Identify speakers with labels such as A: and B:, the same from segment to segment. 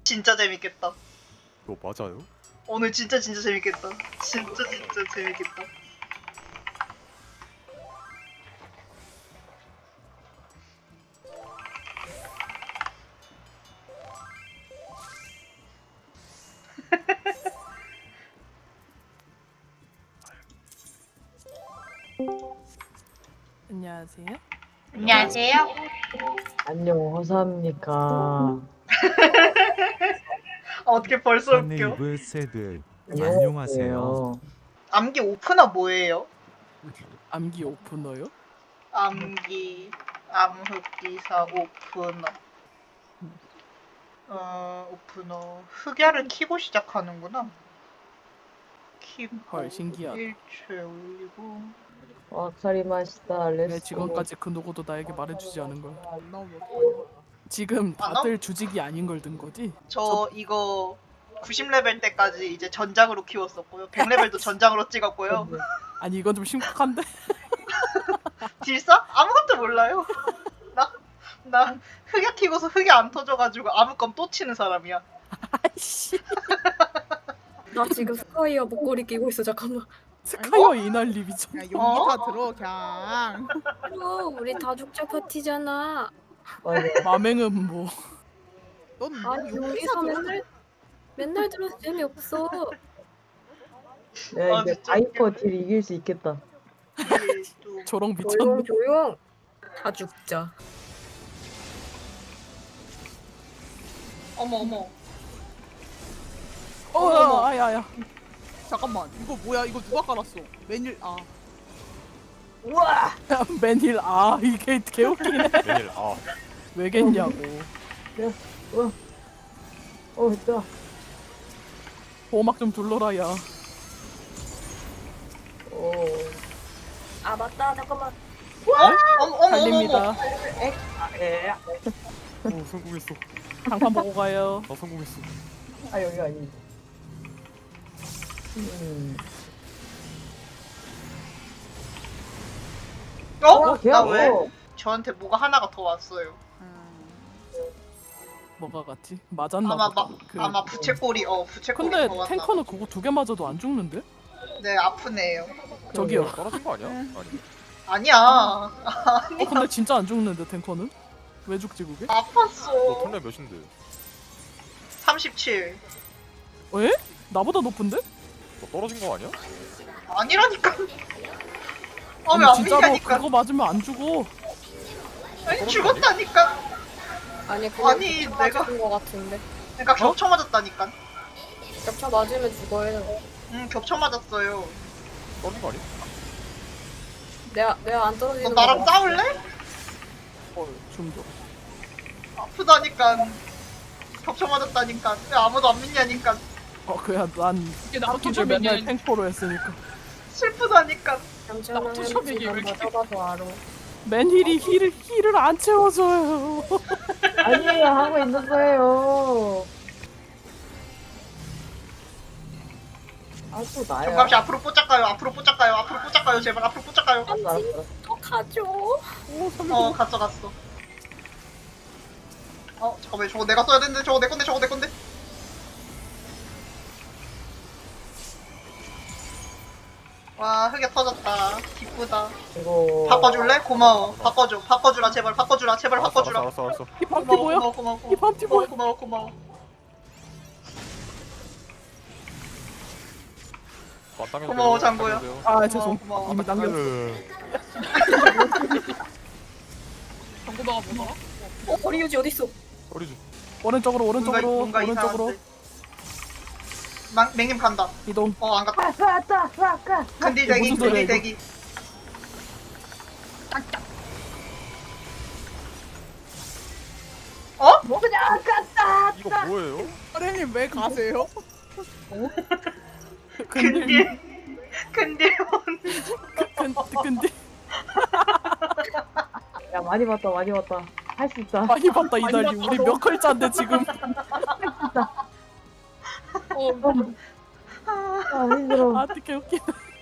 A: 진짜 재밌겠다.
B: 이거 맞아요?
A: 오늘 진짜 재밌겠다. 진짜 재밌겠다.
C: 안녕하세요.
A: 안녕하세요.
D: 안녕, 허사합니까?
A: 어떻게 벌써 웃겨?
E: 선네이브 새들 안녕하세요.
A: 암기 오프너 뭐예요?
C: 암기 오프너요?
A: 암기 암흑기사 오프너. 오프너 흑야를 키고 시작하는구나. 키고
C: 헐, 신기하다.
A: 일체 올리고.
D: 와카리 마시다.
C: 왜
D: 렛츠
C: 지금까지 그 누구도 나에게 말해주지 않은 걸?
F: 너무
C: 지금
A: 아,
C: 다들 주직이 아닌 걸 든 거지?
A: 저 이거 90레벨 때까지 이제 전장으로 키웠었고요. 100레벨도 전장으로 찍었고요.
C: 아니 이건 좀 심각한데?
A: 딜사? 아무것도 몰라요. 나 흑야 키고서 흑야 안 터져가지고 아무건 또 치는 사람이야.
C: 아이씨.
G: 나 지금 스카이어 목걸이 끼고 있어. 잠깐만.
C: 스카이어 이날리 미쳤.
F: 야, 용기
A: 어?
F: 다 들어 그냥.
G: 우리 다죽자 파티잖아.
D: 맞아.
C: 마맹은 뭐?
F: 넌
G: 아니
F: 용기 다
G: 여기서
F: 들어.
G: 맨날 들어서 재미없어.
D: 내가
A: 아,
D: 이제
A: 진짜
D: 바이퍼 딜 이길 수 있겠다.
A: 이게 또
C: 조롱
G: 조용
C: 미쳤네.
G: 조용. 다 죽자.
A: 어머.
C: 어, 아야야.
F: 잠깐만 이거 뭐야? 이거 누가 깔았어? 메뉴
D: 우와!
C: 맨힐 이게 개웃기네.
B: 내일
C: 왜겠냐고.
D: 있다.
C: 보호막 좀 둘러라 야.
G: 아 맞다. 잠깐만.
A: 어머.
C: 달립니다.
B: 오 성공했어.
C: 장판 보고 가요.
B: 나 성공했어.
D: 아, 여기 아니.
A: 나 왜? 저한테 뭐가 하나가 더 왔어요.
C: 뭐가 같지? 맞았나
A: 아마
C: 보다.
A: 아마 부채꼴이 부채꼴이
C: 근데
A: 더 왔나.
C: 탱커는 그거 두 개 맞아도 안 죽는데?
A: 네 아픈 애예요.
C: 저기요.
B: 떨어진 거 아니야? 아니.
A: 아니야.
C: 근데 진짜 안 죽는데 탱커는? 왜 죽지 그게?
B: 너
A: 아팠어.
B: 턴레 몇인데?
A: 37.
C: 에? 나보다 높은데?
B: 너 떨어진 거 아니야?
A: 아니라니까.
C: 아니
A: 왜안
C: 진짜로
A: 믿냐니까.
C: 그거 맞으면 안 죽어.
A: 아니 죽었다니까.
G: 아니 그냥
A: 아니,
G: 겹쳐
A: 내가-
G: 맞은 거 같은데.
A: 그러니까 겹쳐 맞았다니까.
G: 겹쳐 맞으면 죽어요.
A: 겹쳐 맞았어요.
B: 떨어진 거 아니야?
G: 내가 안
A: 너
G: 떨어지는
A: 나랑
G: 거
A: 싸울래?
C: 중독.
A: 아프다니까. 겹쳐 맞았다니까. 왜 아무도 안 믿냐니까.
C: 그야 난 터키를 맨날 탱커로 했으니까.
A: 슬프다니까.
G: 괜찮아. 한번 맞아봐서 알아.
C: 맨힐이 힐을 안 채워줘요.
D: 아니에요, 하고 있는 거예요. 아, 또 나야.
A: 정감씨 앞으로 뽀짝가요. 앞으로 뽀짝가요. 제발 앞으로 뽀짝가요.
D: 알았어.
G: 또 가져.
A: 갔어. 잠깐만 저거 내가 써야 되는데 저거 내 건데. 와 흑야 터졌다. 기쁘다.
D: 이거.
A: 바꿔줄래? 고마워. 바꿔주라 제발 바꿔주라.
B: 알았어.
C: 이 밤티 뭐야?
A: 고마워.
C: 이 밤티 뭐야?
A: 고마워.
B: 마땅해서
A: 고마워, 장고야.
C: 아 죄송.
A: 고마워.
C: 이미 남겼어.
F: 정보다가 뭐더라?
G: 거리 유지 어디 있어?
B: 떨어지.
C: 오른쪽으로
A: 뭔가
C: 오른쪽으로
A: 이상한데. 맹님 간다.
C: 이동.
A: 안 갔다.
D: 아까.
A: 근딜
C: 무슨 소리야, 이거?
A: 대기.
B: 이거 뭐예요?
F: 사장님 왜 가세요?
C: 근데
A: 근딜.
C: 근데
D: 야, 많이 봤다. 할 수 있다.
C: 많이 봤다 이달리. 우리 몇 글자인데 지금.
D: 아, 힘들어.
C: 어떻게 웃기네.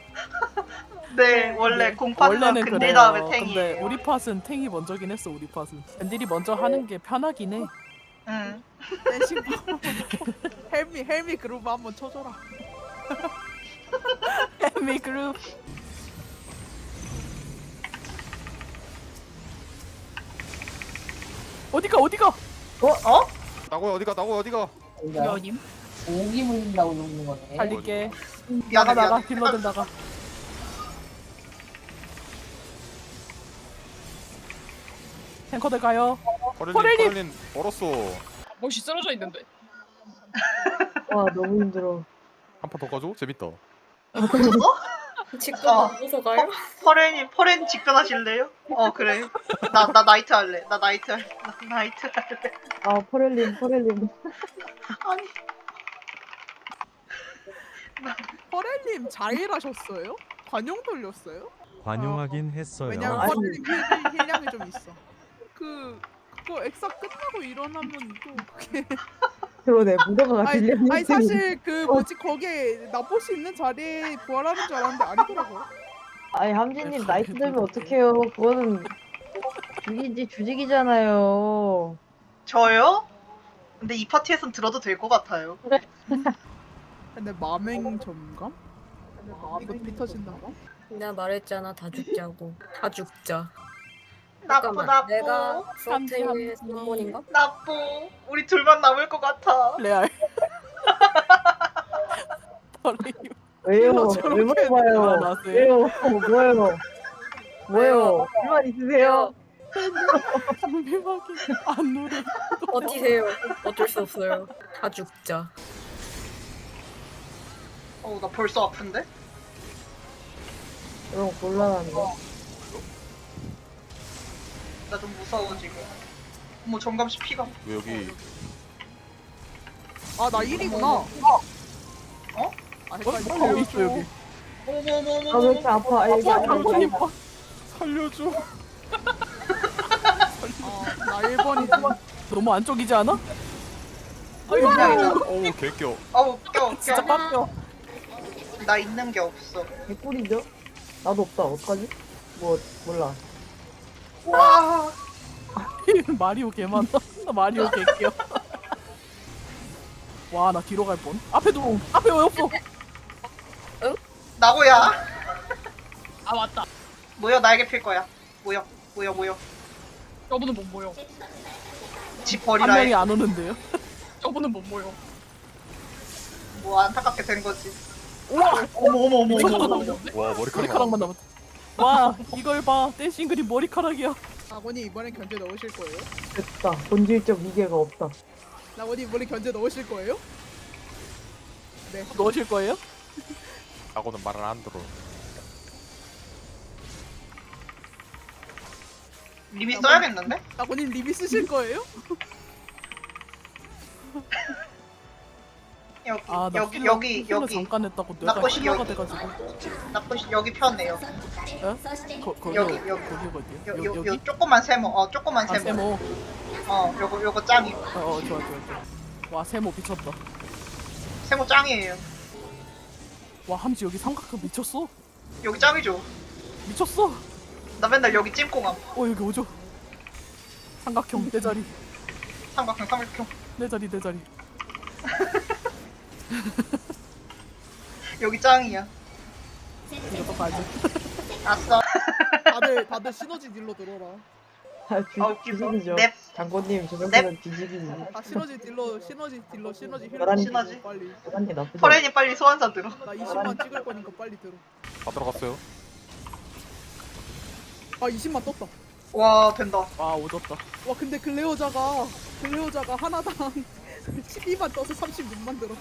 A: 네, 원래 공파는
C: 원래는
A: 근딜
C: 그래요.
A: 다음에
C: 근데
A: 탱이에요.
C: 우리 팟은 탱이 먼저긴 했어. 우리 팟은. 근딜이 먼저 하는 게 편하긴 해.
A: 응.
F: 대신 헬미 그룹 한번 쳐줘라.
C: 헬미 그룹. 어디가?
A: 어?
B: 나고야 어디가?
C: 여님.
D: 오기 물린다고 누르는 거네.
C: 달릴게.
A: 미안해
C: 나가
A: 미안해.
C: 딜러들 나가. 탱커들 가요. 포렐님!
B: 퍼렐린 얼었어.
H: 멋이 쓰러져 있는데.
D: 와 너무 힘들어.
B: 한 판 더 가져? 재밌다.
G: 직접
A: 어.
G: 먹어서 가요?
A: 퍼렌 직변하실래요? 그래. 나 나이트 할래. 나 나이트 할래.
D: 아 포렐린.
A: 아니
F: 퍼렐님 자일하셨어요? 관용 돌렸어요?
E: 관용하긴 했어요.
F: 왜냐면
D: 아니.
F: 퍼렐님 힐량이 좀 있어. 그거 엑사 끝나고 일어나면 또 그게
D: 그러네 무대가
F: 아니,
D: 들렸는데.
F: 아니 사실 그 뭐지 거기에 나포시 있는 자리에 부활하는 줄 알았는데 아니더라고요.
D: 아니 함진님 나이트 들면 어떡해요. 그거는 주직이잖아요.
A: 저요? 근데 이 파티에선 들어도 될 것 같아요.
F: 근데 마맹 점감? 이거 피 터진다.
G: 내가 말했잖아 다 죽자고. 다 죽자.
A: 나쁘.
G: 내가
C: 함지,
G: 프로테이의
C: 함지.
G: 3번인가?
A: 나쁘. 우리 둘만 남을 것 같아.
C: 레알. 포렐님.
D: 왜요?
F: 힐러
D: 왜
F: 저렇게
D: 물어봐요?
C: 나왔어요.
D: 왜요? 뭐예요? 불만 있으세요?
C: 대박이 안 노래.
G: 버티세요. 어쩔 수 없어요. 다 죽자.
A: 나 벌써 아픈데?
D: 이런 거 곤란한데.
A: 나 좀 무서워 지금. 어머 정감씨 피가.
B: 왜 여기
F: 아 나 1이구나.
A: 어?
F: 아
C: 있어
F: 헷갈려.
C: 여기.
D: 아 왜 이렇게 아파? 아 이게
C: 장군님
D: 아파.
B: 살려줘.
F: 나 1번이지.
C: 너무 안쪽이지 않아?
A: 그냥
B: 어우 개껴.
A: 껴.
C: 진짜 빡겨.
A: 나 있는 게 없어.
D: 개꿀이죠? 나도 없다. 어떡하지? 몰라.
A: 와.
C: 마리오 개 많아. 나 마리오 개 끼어. 와, 나 뒤로 갈 뻔. 앞에 왜 없어?
A: 나고야.
H: 아 맞다.
A: 모여 나에게 필 거야. 모여.
H: 저분은 못 모여.
A: 집
C: 한
A: 버리라
C: 명이
A: 해.
C: 안 오는데요?
H: 저분은 못 모여.
A: 뭐 안타깝게 된 거지.
C: 우와!
A: 어머.
C: 미쳤다, 나.
B: 와 머리카락.
C: 머리카락만 남았다. 와, 이걸 봐. 댄싱 그림 머리카락이야.
F: 나원이 이번엔 견제 넣으실 거예요?
D: 됐다. 본질적 위계가 없다.
F: 나원이 이번에 견제 넣으실 거예요? 네.
C: 넣으실 거예요?
B: 하고는 말을 안 들어.
A: 리미 써야겠는데?
F: 나원이 리비 쓰실 거예요?
C: 아, 나
A: 여기
C: 힐러 잠깐 했다고 내가
A: 나쁘시
C: 힐러가
A: 여기.
C: 돼가지고.
A: 나쁘시 여기 편해요.
C: 거기
A: 여기.
C: 거기가 어디야?
A: 요 조그만 세모. 조그만
C: 아, 세모.
A: 요거 짱이.
C: 좋아. 와, 세모 미쳤다.
A: 세모 짱이에요.
C: 와, 함지 여기 삼각형 미쳤어?
A: 여기 짱이죠.
C: 미쳤어.
A: 나 맨날 여기 찜꽁함.
C: 여기 오죠. 삼각형 내 자리.
A: 삼각형.
C: 내 자리.
A: 여기 짱이야.
C: 이거 또 가야지.
A: 아싸.
F: 다들 시너지 딜로 들어라.
A: 웃기다.
D: 뒤지기죠.
A: 넵.
D: 장군님 저 정도는 뒤지기지.
F: 시너지 힐러
D: 열한
A: 시너지.
F: 빨리.
D: 그런 게 나쁘지.
A: 퍼렌이 빨리 소환사 들어.
F: 나 20만 찍을 거니까 빨리 들어.
B: 다 들어갔어요.
F: 아 20만 떴다.
A: 와 된다.
C: 와, 오졌다.
F: 와 근데 글레오자가 하나당 12만 떠서 36만 들어.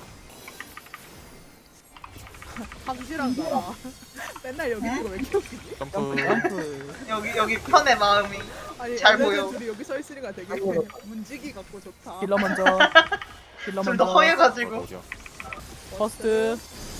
F: 함지랑 나 맨날 여기 있는 거왜 이렇게 웃기지?
B: 점프.
C: 점프.
A: 여기 편의 마음이.
F: 아니
A: 잘
F: 얘네들
A: 보여.
F: 둘이 여기 서 있으니까 되게
D: 아이고.
F: 문지기 같고 좋다.
C: 딜러 먼저.
A: 둘 다 허해가지고.
B: 어디야?
C: 퍼스트.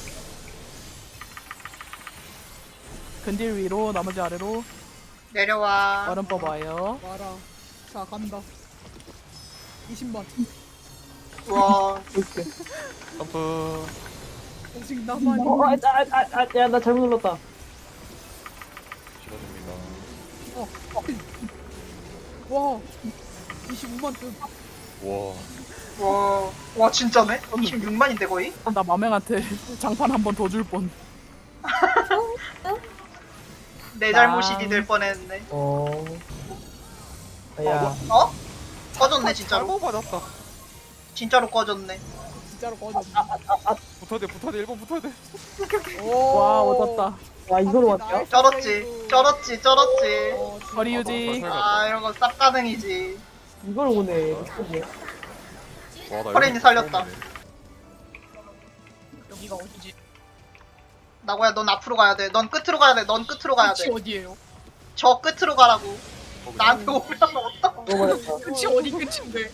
C: 근딜 위로, 나머지 아래로.
A: 내려와.
C: 얼음 뽑아요.
F: 와라. 자 간다. 20만.
A: 와.
D: 볼게.
B: 점프.
F: 오직 나만이.
D: 나 잘못 눌렀다.
B: 싫어집니다.
F: 와. 25만 뜸.
B: 와.
A: 와 진짜네? 26만인데 거의?
C: 나 마맹한테 장판 한 번 더 줄 뻔.
A: 내 잘못이 될 뻔했네.
D: 야,
A: 어? 꺼졌네 진짜로.
B: 잘못 맞았다.
A: 진짜로 꺼졌네.
F: 진짜로 꺼졌네.
B: 붙어야 돼, 붙어야 돼. 1번 붙어야 돼.
C: 와 얻었다.
D: 와 이걸 왔죠?
A: 쩔었지. 쩔었지.
C: 거리 유지.
A: 아 이런 거 쌉 가능이지.
D: 이걸 오네. 미쳤네.
B: 와, 나
A: 허린이
B: 이거
A: 살렸다.
B: 처음이네.
H: 여기가 어디지?
A: 나고야 넌 앞으로 가야 돼. 넌 끝으로 가야 돼. 넌 끝으로 가야
H: 끝이
A: 돼.
H: 어디예요?
A: 저 끝으로 가라고.
B: 거기.
A: 나한테 오면 어떡?
D: 먹어버렸다.
H: 끝이 어디 끝인데?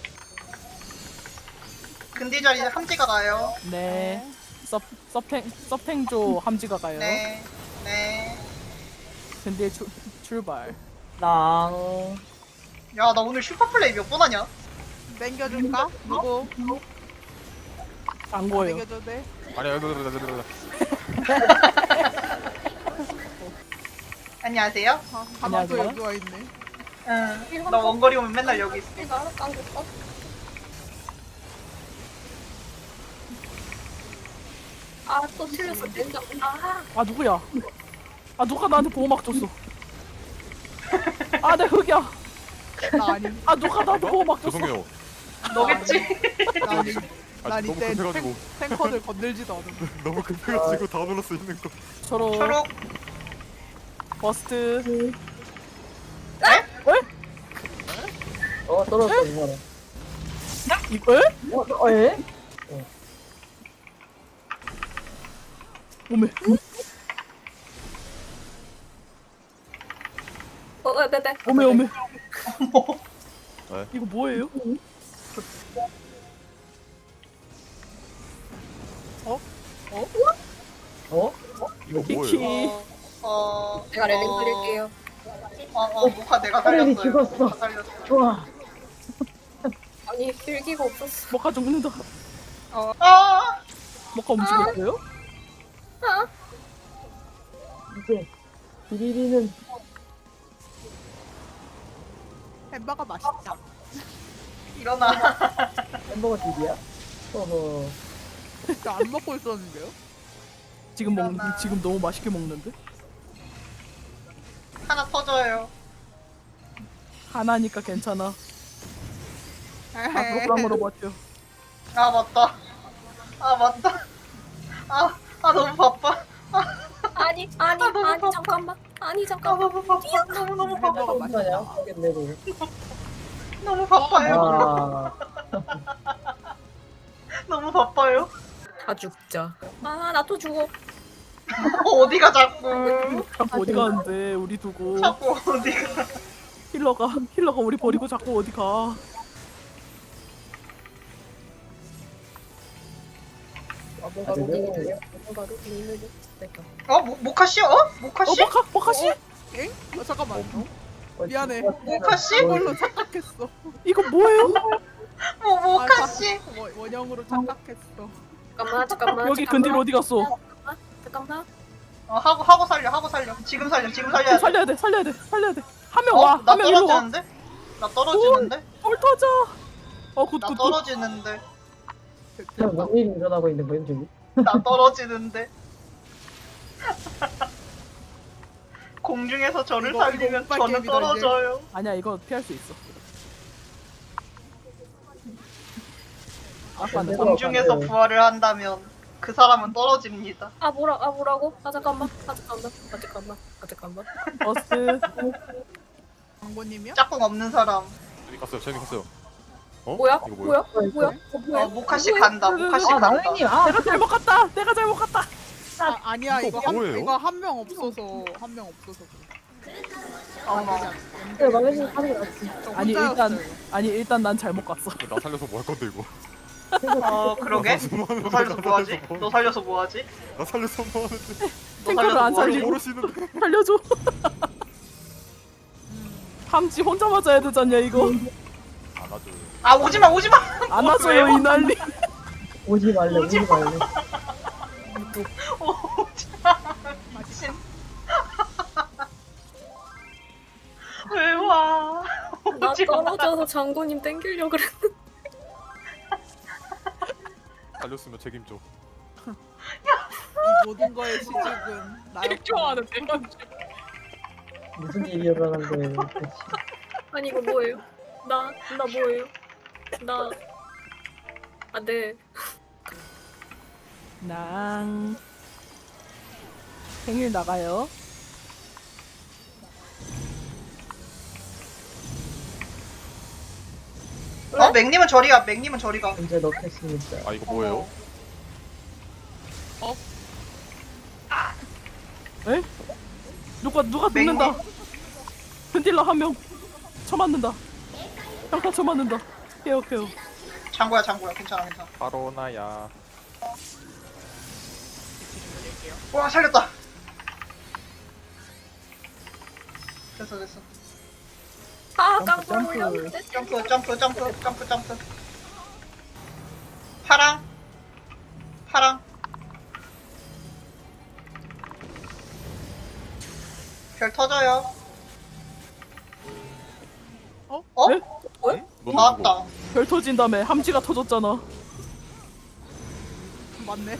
A: 근디 자리 함지가 가요.
C: 네. 서탱조 함지가 가요.
A: 네. 네.
C: 근데 출발.
D: 랑.
A: 야 나 오늘 슈퍼플레이 몇 번 하냐?
F: 땡겨줄까? 누구?
C: 안 거예요.
F: 땡겨줘도 돼?
B: 아니야, 여기.
A: 안녕하세요.
F: 가만 또
C: 안녕하세요.
F: 여기 와 있네.
A: 응. 나 원거리 오면 맨날 여기 있어.
G: 아또 틀렸어. 땡겨. 아
C: 아 누구야? 아 누가 나한테 보호막 줬어? 아 내 흑이야.
F: 나 아니.
C: 아 누가 나한테 보호막 줬어?
B: 죄송해요.
A: 너겠지?
F: 나 아니.
B: 아,
F: 난
B: 너무
F: 이때
B: 급해가지고.
F: 탱커들 건들지도 않은데.
B: 너무 급해가지고 다 눌렀어, 있는 거.
C: 초록
A: 초록.
C: 버스트.
D: 떨어졌어 이거는.
C: 이거? 에?
D: 에?
C: 오메.
G: 네네.
C: 오메 오메.
B: 네.
C: 이거 뭐예요?
B: 이거
C: 키키.
B: 뭐예요?
G: 제가 렐링 드릴게요.
A: 모카 내가
D: 허린이
A: 살렸어요.
D: 죽었어.
A: 모카 살렸어.
D: 좋아.
G: 아니 필기가 없었어.
C: 뭐가 죽는다.
A: 아,
C: 뭐가 움직였어요?
D: 이제 비리리는
F: 햄버거 맛있다.
A: 일어나.
D: 햄버거 집이야? 어허.
F: 저 안 먹고 있었는데요?
C: 지금 너무 맛있게 먹는데?
A: 하나 터져요.
C: 하나니까 괜찮아. 앞으로 버텨.
A: 아 맞다. 아 너무 바빠.
G: 아니
A: 너무
G: 잠깐만. 아니
A: 아
G: 잠깐만.
A: 너무 바빠. 너무 바빠.
F: 햄버거
D: 얼마냐?
F: 맛있다.
D: 모르겠네 뭘.
A: 너무 바빠요.
D: 아.
A: 너무 바빠요.
G: 다 죽자. 아 나 또 죽어.
A: 어디가 자꾸.
C: 자꾸 어디 가는데 우리 두고.
A: 자꾸 어디가.
C: 힐러가 우리 버리고 자꾸 어디 가.
A: 모카 씨? 모카 씨?
C: 모카 씨?
F: 엥? 잠깐만. 미안해.
A: 모카 씨?
F: 이걸로 착각했어.
C: 이거 뭐예요?
A: 모카 씨?
F: 원형으로 착각했어.
G: 잠깐만.
C: 여기 근딜 어디 갔어?
G: 잠깐만.
A: 하고 살려. 지금 살려야 돼.
C: 살려야 돼. 한 명 와.
A: 나
C: 한 명 일로 와.
A: 떨어지는데? 나 떨어지는데?
C: 헐 터져. 굿.
A: 나 떨어지는데?
D: 뭔 일이 일어나고 있는 거야 지금?
A: 나 떨어지는데? 공중에서 저를
F: 이거
A: 살리면
F: 오빠
A: 저는
F: 게임이다,
A: 떨어져요.
C: 아니야 이거 피할 수 있어. 아빠는
A: 공중에서 부활을 한다면 그 사람은 떨어집니다.
G: 뭐라고? 잠깐만.
C: 버스.
F: 광고님이요?
A: 짝꿍 없는 사람.
B: 제니 갔어요. 어?
G: 뭐야?
B: 이거 뭐야?
G: 뭐야?
A: 모카씨 간다. 모카씨
D: 아
A: 간다.
D: 나은님 아.
C: 내가 잘못 갔다.
F: 아니야
B: 이거
F: 이거
B: 뭐예요?
F: 이거 한 명 없어서 그래.
D: 네, 말레이시아 하는 게 낫지.
F: 저
C: 아니
F: 혼자였어요.
C: 일단 난 잘못 갔어.
B: 나 살려서 뭐 할 건데, 이거?
A: 그러게? 너 살려서 뭐하지? 너 살려서 뭐하지?
B: 나 살려서 뭐 하는데?
A: 너
C: 탱커를
A: 살려서
C: 안
A: 뭐하지?
C: 살리고.
B: 모르시는데.
C: 살려줘. 함지 혼자 맞아야 되잖냐 이거.
B: 안아줘.
A: 아 오지마.
C: 안 와줘요 이 난리.
D: 오지 말래.
A: 오지마.
D: 오지마.
A: 미친. 왜 와?
G: 나
A: 오지마.
G: 떨어져서 장군님 땡기려고 그랬는데.
B: 달렸으면 책임져.
F: 이 모든 거의 시작은 나였다.
H: 좋아하는데.
D: 무슨 일이 일어나는데 대체.
G: 아니 이거 뭐예요? 나 뭐예요? 네.
C: 낭. 생일 나가요.
A: 맥님은 저리가. 맥님은 저리가.
D: 현재 넣겠습니다.
B: 아 이거 뭐예요?
C: 에? 누가 눕는다. 흔들러 한 명. 쳐맞는다. 평타 쳐맞는다. 케어.
A: 장구야. 괜찮아.
B: 바로 나야.
A: 와, 살렸다. 됐어.
G: 아
C: 점프.
G: 깜짝 놀랐는데.
A: 점프. 파랑. 별 터져요.
C: 네?
B: 넌
A: 나왔다.
C: 별 터진 다음에 함지가 터졌잖아.
F: 맞네.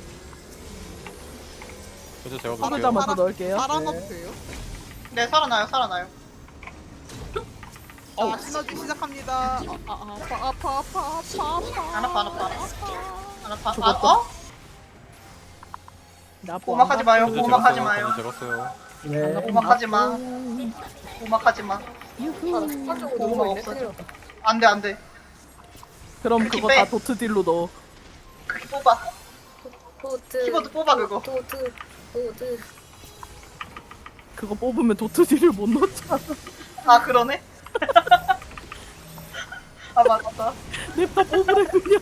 B: 현재 제가
C: 하나
B: 볼게요.
C: 잡아서 넣을게요.
F: 살아나도 돼요?
A: 네, 살아나요.
F: 자, 시너지 시작합니다. 아파.
A: 안 아파.
C: 죽었다.
A: 오막하지 마요.
B: 현재
A: 오막하지
B: 제가
A: 마요.
B: 현재 제가 써요.
D: 네.
A: 오막하지 마.
G: 아, 습관적으로 누르고 있네. 큰일 났다.
A: 안 돼.
C: 그럼
A: 그렇게
C: 그거
A: 빼.
C: 다 도트 딜로 넣어.
A: 그렇게 뽑아.
G: 도트.
A: 키보드 뽑아, 그거.
G: 도트.
C: 그거 뽑으면 도트 딜을 못 넣잖아.
A: 아, 그러네. 아, 맞다.
C: 냅다 뽑으래 그냥.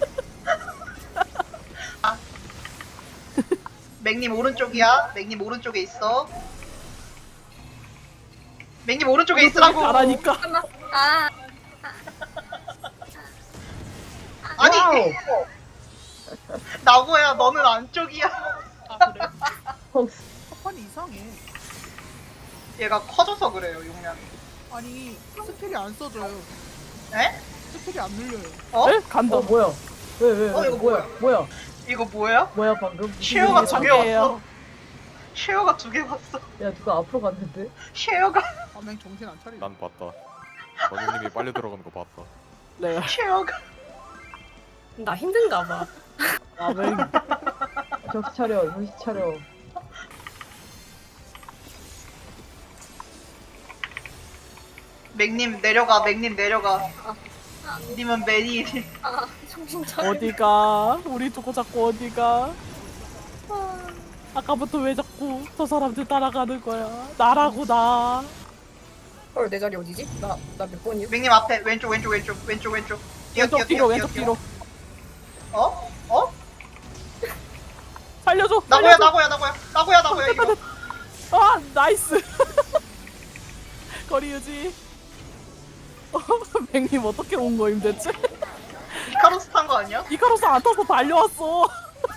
A: 맥님 오른쪽이야. 맥님 오른쪽에 있어. 맥님 오른쪽에 있으라고.
C: 가라니까.
G: 아
A: 아니,
D: 와우.
A: 나고야. 너는 안쪽이야.
H: 아 그래?
D: 헉스.
F: 첫판이 이상해.
A: 얘가 커져서 그래요, 용량이.
F: 아니 스킬이 안 써져요.
A: 에?
F: 스킬이 안 눌려요.
A: 어?
C: 에? 간다.
D: 뭐야? 왜?
A: 이거
D: 뭐야?
A: 이거 뭐야?
D: 뭐야 방금?
A: 쉐어가
D: 무슨
A: 두
D: 일이야?
A: 개 왔어. 쉐어가 2개 왔어.
D: 야 누가 앞으로 갔는데?
A: 쉐어가
F: 아맹 정신 안 차리네.
B: 난 봤다. 원영님이 빨리 들어가는 거 봤다.
C: 내가
A: 쉐어가
G: 나 힘든가 봐.
C: 아멘.
D: 정신 차려.
A: 맥님 내려가. 님은 매니.
G: 아 정신 차려.
C: 어디가? 우리 두고 자꾸 어디가? 아까부터 왜 자꾸 저 사람들 따라가는 거야? 나라고 나.
G: 헐, 내 자리 어디지? 나 몇 번이요?
A: 맥님 앞에 왼쪽. 뛰어.
C: 왼쪽 뒤로.
A: 어?
C: 살려줘.
A: 나고야
C: 살려줘.
A: 이거.
C: 아 나이스. 거리 유지. 맥님 어떻게 온 거임 대체?
A: 이카로스 탄 거 아니야?
C: 이카로스 안 타서 달려왔어.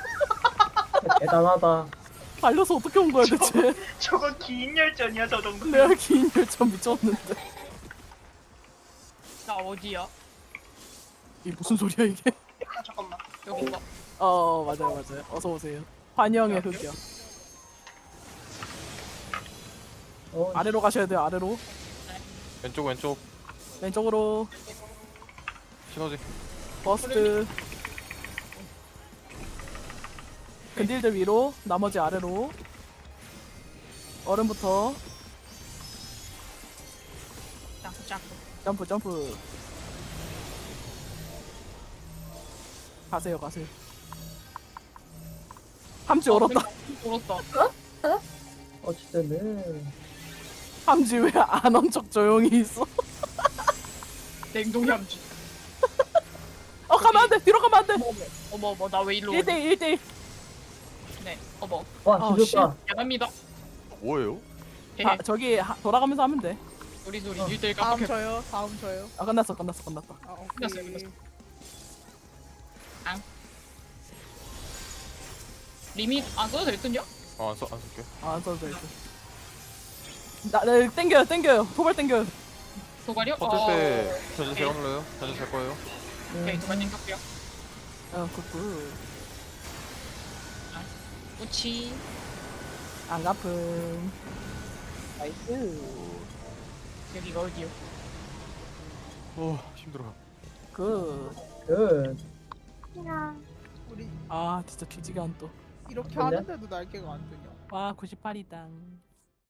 D: 대단하다.
C: 달려서 어떻게 온 거야 대체?
A: 저건 긴 열전이야, 저 정도.
C: 내가 긴 열차 미쳤는데.
H: 나 어디야?
C: 이게 무슨 소리야 이게?
A: 아, 잠깐만.
H: 여긴가?
C: 맞아요. 어서 오세요. 환영의 흑이요. 아래로 가셔야 돼요. 아래로.
B: 왼쪽
C: 왼쪽으로.
B: 시너지.
C: 버스트. 근딜들 위로. 나머지 아래로. 얼음부터. 점프. 가세요. 함지 얼었다.
H: 얼었다.
D: 어쨌든
C: 함지 왜 안 온 척 조용히 있어?
H: 냉동이 함지.
C: 가면 안 돼. 뒤로 가면 안 돼.
H: 어머 나 왜 일로 오니?
C: 1대1.
H: 네. 어머.
D: 와 죽였다.
H: 야답니다.
B: 뭐예요?
C: 저기 돌아가면서 하면 돼.
H: 우리
C: 어.
H: 1대1
F: 다음
H: 깜빡했다.
F: 저요.
C: 끝났다.
F: 아, 오케이.
H: 끝났어요. 리밋 안 써도 될 듯요?
B: 안 쓸게.
C: 안 써도 돼. 나 땡겨요. 도발 땡겨요.
H: 도발이요?
B: 터질 때 현재 제가 눌러요. 현재 제 거예요.
H: 오케이 도발 땡겼고요.
C: 굿굿.
H: 우치.
C: 안 갚음. 나이스.
H: 여기가 어디요?
B: 힘들어.
C: 굿.
F: 우리
C: 아 진짜 뒤지게 안 또.
F: 이렇게
D: 근데?
F: 하는데도 날개가 안 뜨냐?
C: 와 98이당.